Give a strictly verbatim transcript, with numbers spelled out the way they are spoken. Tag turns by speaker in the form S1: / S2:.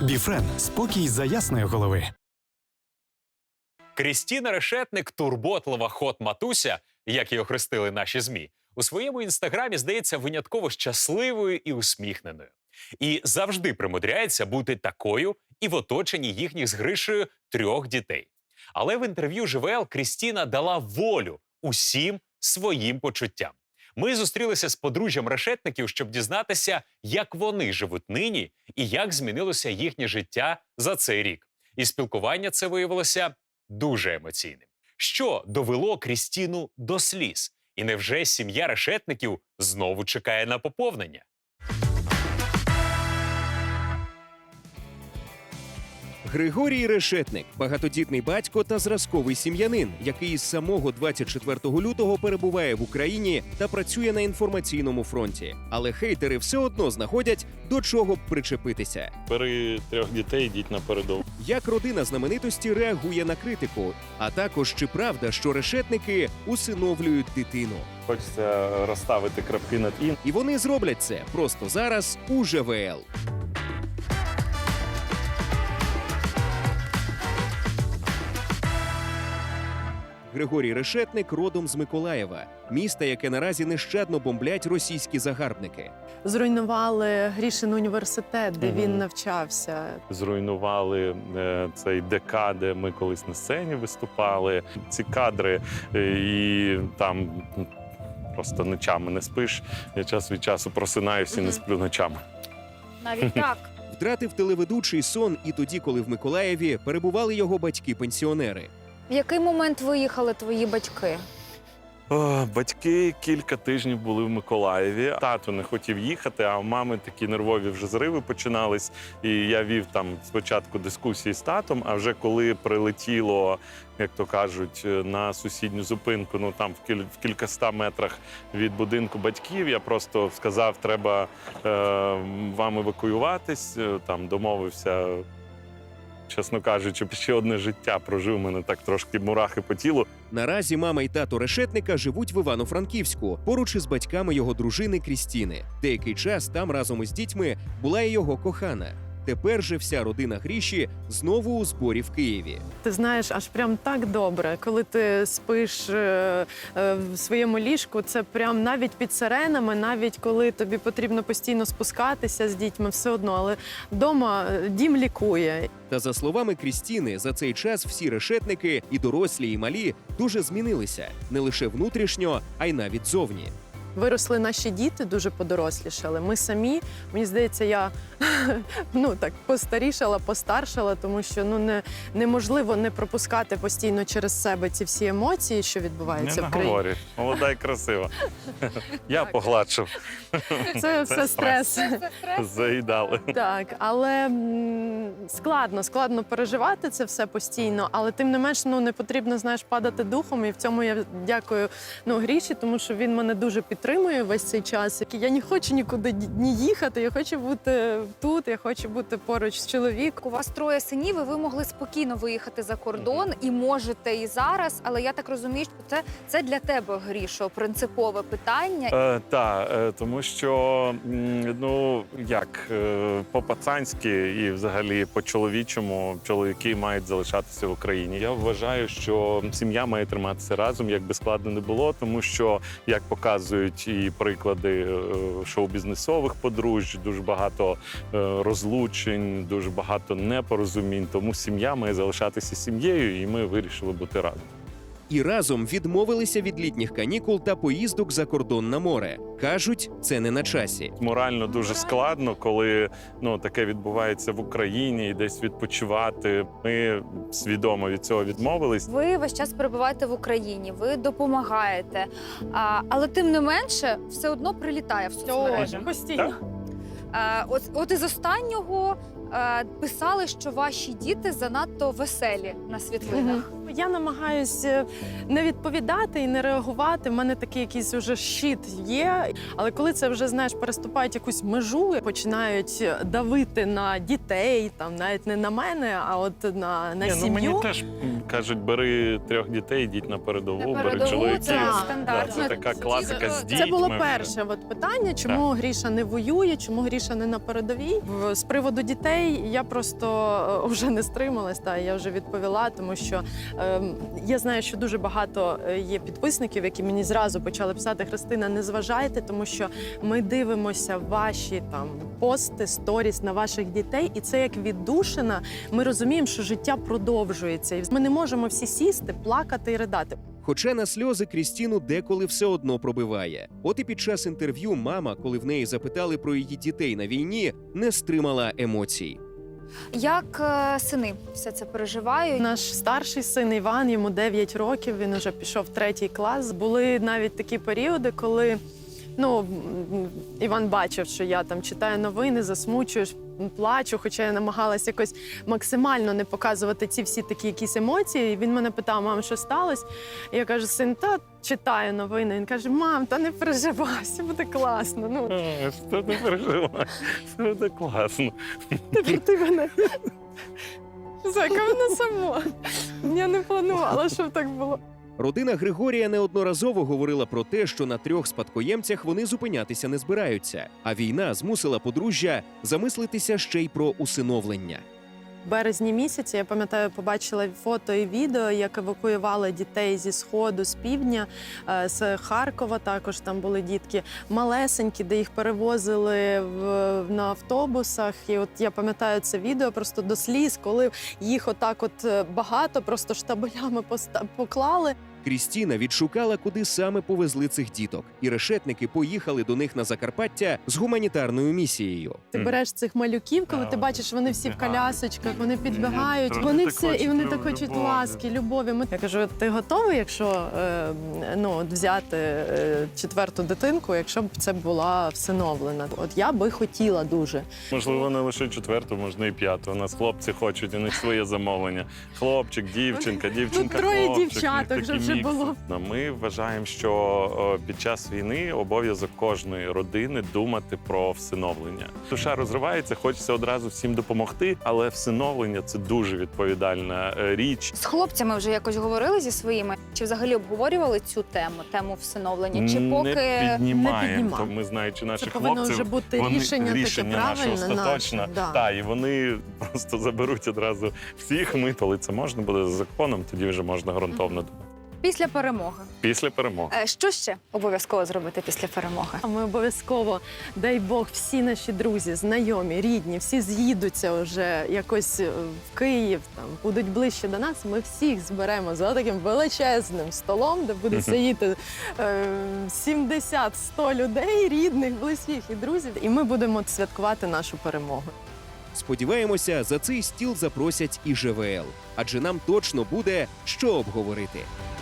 S1: Біфрен – спокій за ясної голови.
S2: Крістіна Решетник – турботлива хот-матуся, як її охрестили наші ЗМІ, у своєму інстаграмі здається винятково щасливою і усміхненою. І завжди примудряється бути такою і в оточенні їхніх з Гришею трьох дітей. Але в інтерв'ю ЖВЛ Крістіна дала волю усім своїм почуттям. Ми зустрілися з подружжям Решетників, щоб дізнатися, як вони живуть нині і як змінилося їхнє життя за цей рік. І спілкування це виявилося дуже емоційним. Що довело Крістіну до сліз? І невже сім'я Решетників знову чекає на поповнення?
S3: Григорій Решетник – багатодітний батько та зразковий сім'янин, який з самого двадцять четвертого лютого перебуває в Україні та працює на інформаційному фронті. Але хейтери все одно знаходять, до чого б причепитися.
S4: Бери трьох дітей, йдіть на передову.
S3: Як родина знаменитості реагує на критику? А також, чи правда, що решетники усиновлюють дитину?
S4: Хочеться розставити крапки над «і».
S3: І вони зроблять це просто зараз у ЖВЛ. Григорій Решетник родом з Миколаєва, міста, яке наразі нещадно бомблять російські загарбники.
S5: Зруйнували Грішин університет, де
S4: Мгм.
S5: він навчався.
S4: Зруйнували е, цей ДК, де ми колись на сцені виступали. Ці кадри, е, і там ну, просто ночами не спиш. Я час від часу просинаюся і не сплю ночами.
S6: Навіть так.
S3: Втратив телеведучий сон і тоді, коли в Миколаєві перебували його батьки-пенсіонери.
S6: В який момент виїхали твої батьки?
S4: О, батьки кілька тижнів були в Миколаєві. Тато не хотів їхати, а у мами такі нервові вже зриви починались. І я вів там спочатку дискусії з татом, а вже коли прилетіло, як то кажуть, на сусідню зупинку, ну там в, кіль... в кількаста метрах від будинку батьків, я просто сказав, треба е, вам евакуюватись, там домовився. Чесно кажучи, ще одне життя прожив, мене так трошки мурахи по тілу.
S3: Наразі мама і тато Решетника живуть в Івано-Франківську, поруч із батьками його дружини Крістіни. Деякий час там разом із дітьми була і його кохана. Тепер же вся родина Гріші знову у зборі в Києві.
S5: Ти знаєш, аж прям так добре, коли ти спиш е, е, в своєму ліжку, це прям навіть під сиренами, навіть коли тобі потрібно постійно спускатися з дітьми, все одно, але вдома дім лікує.
S3: Та за словами Крістіни, за цей час всі решетники, і дорослі, і малі, дуже змінилися. Не лише внутрішньо, а й навіть зовні.
S5: Виросли наші діти, дуже подорослішали. Ми самі, мені здається, я ну так постарішала, постаршала, тому що ну не неможливо не пропускати постійно через себе ці всі емоції, що відбуваються
S4: Не
S5: в країні.
S4: наговорюй, молода і красива. Я погладшив.
S5: Це все стрес.
S4: Заїдали.
S5: Так, але м, складно, складно переживати це все постійно, але тим не менш, ну не потрібно, знаєш, падати духом. І в цьому я дякую ну Гріші, тому що він мене дуже підтримує весь цей час. Я не хочу нікуди ні їхати, я хочу бути тут, я хочу бути поруч з чоловіком.
S6: У вас троє синів, і ви могли спокійно виїхати за кордон, і можете і зараз, але я так розумію, що це, це для тебе, Грішо, принципове питання.
S4: Е, так, е, тому що, м, ну, як, е, по-пацанськи і взагалі по-чоловічому чоловіки мають залишатися в Україні. Я вважаю, що сім'я має триматися разом, як би складно не було, тому що, як показують і приклади е, шоу-бізнесових подружжя, дуже багато е, розлучень, дуже багато непорозумінь, тому сім'я має залишатися сім'єю, і ми вирішили бути разом.
S3: І разом відмовилися від літніх канікул та поїздок за кордон на море. Кажуть, це не на часі.
S4: Морально дуже складно, коли ну, таке відбувається в Україні і десь відпочивати. Ми свідомо від цього відмовились.
S6: Ви весь час перебуваєте в Україні, ви допомагаєте, а, але тим не менше все одно прилітає в соцмережі.
S5: Постійно.
S6: А, от, от із останнього а, писали, що ваші діти занадто веселі на світлинах.
S5: Я намагаюсь е, не відповідати і не реагувати. У мене такий якийсь уже щит є. Але коли це вже, знаєш, переступають якусь межу, починають давити на дітей, там навіть не на мене, а от на, на
S4: Ні, ну
S5: сім'ю.
S4: мені теж м, кажуть, бери трьох дітей, йдіть на передову,
S6: На
S4: бери
S6: передову
S4: чоловіків.
S6: це
S5: Да,
S6: стандартно.
S4: Да, це така класика з дітьми.
S5: Це було
S4: вже.
S5: перше от питання, чому Гріша не воює, чому Гріша не на передовій. В- З приводу дітей я просто е, вже не стрималась, та я вже відповіла, тому що е, я знаю, що дуже багато е, є підписників, які мені зразу почали писати: Христина, не зважайте, тому що ми дивимося ваші там пости, сторіс на ваших дітей, і це як віддушина. Ми розуміємо, що життя продовжується, і ми не можемо всі сісти, плакати і ридати.
S3: Хоча на сльози Крістіну деколи все одно пробиває. От і під час інтерв'ю мама, коли в неї запитали про її дітей на війні, не стримала емоцій.
S6: Як е, сини все це переживають?
S5: Наш старший син Іван, йому дев'ять років, він уже пішов в третій клас. Були навіть такі періоди, коли ну, м, Іван бачив, що я там читаю новини, засмучуєш, плачу, хоча я намагалась якось максимально не показувати ці всі такі якісь емоції. І він мене питав: мам, що сталося? І я кажу: син, та читаю новини. Він каже: мам, та не переживай, все буде класно. Ну,
S4: А, Що ти переживаєш? Це буде класно.
S5: тепер ти мене. Зайка, вона сама. Я не планувала, щоб так було.
S3: Родина Григорія неодноразово говорила про те, що на трьох спадкоємцях вони зупинятися не збираються, а війна змусила подружжя замислитися ще й про усиновлення.
S5: В березні місяці, я пам'ятаю, побачила фото і відео, як евакуювали дітей зі Сходу, з півдня, е, з Харкова також там були дітки малесенькі, де їх перевозили в, на автобусах. І от я пам'ятаю це відео просто до сліз, коли їх отак от е, багато, просто штабелями поста- поклали.
S3: Крістіна відшукала, куди саме повезли цих діток, і решетники поїхали до них на Закарпаття з гуманітарною місією.
S5: Ти
S4: Мгм.
S5: береш цих малюків, коли
S4: Да,
S5: ти бачиш, вони всі в
S4: підбігають.
S5: колясочках, вони підбігають,
S4: Вони
S5: вони
S4: так
S5: все, і
S4: хочуть
S5: вони
S4: любові.
S5: так хочуть ласки, любові. Ми- Я кажу: ти готовий, якщо е, ну, от взяти е, четверту дитинку, якщо б це була всиновлена? От я би хотіла дуже.
S4: Можливо, не лише четверту, можна і п'яту. У нас хлопці хочуть, у них своє замовлення. Хлопчик, дівчинка, дівчинка,
S5: Ну, троє
S4: хлопчик.
S5: дівчаток
S4: У них
S5: вже
S4: такі
S5: вже
S4: мікси.
S5: було.
S4: Ну, Ми вважаємо, що о, під час війни обов'язок кожної родини думати про всиновлення. Душа розривається, хочеться одразу всім допомогти, але всиновлення – це дуже відповідальна е, річ.
S6: З хлопцями вже якось говорили зі своїми? Чи взагалі обговорювали цю тему, тему всиновлення? Чи поки
S4: Не піднімаємо,
S5: піднімаємо.
S4: то ми, знаючи
S5: Це
S4: наших
S5: повинно
S4: хлопців,
S5: вже бути
S4: вони,
S5: рішення,
S4: рішення
S5: таке
S4: наше
S5: правильне,
S4: остаточне.
S5: наше. Да.
S4: Так, і вони просто заберуть одразу всіх. Ми, коли це можна буде за законом, тоді вже можна ґрунтовно думати.
S6: після перемоги?
S4: Після перемоги.
S6: Е, Що ще обов'язково зробити після перемоги?
S5: А ми обов'язково, дай Бог, всі наші друзі, знайомі, рідні, всі з'їдуться вже якось е, в Київ, там будуть ближче до нас. Ми всіх зберемо за таким величезним столом, де буде сидіти е, сімдесят-сто людей, рідних, близьких і друзів. І ми будемо святкувати нашу перемогу.
S3: Сподіваємося, за цей стіл запросять і ЖВЛ, адже нам точно буде що обговорити.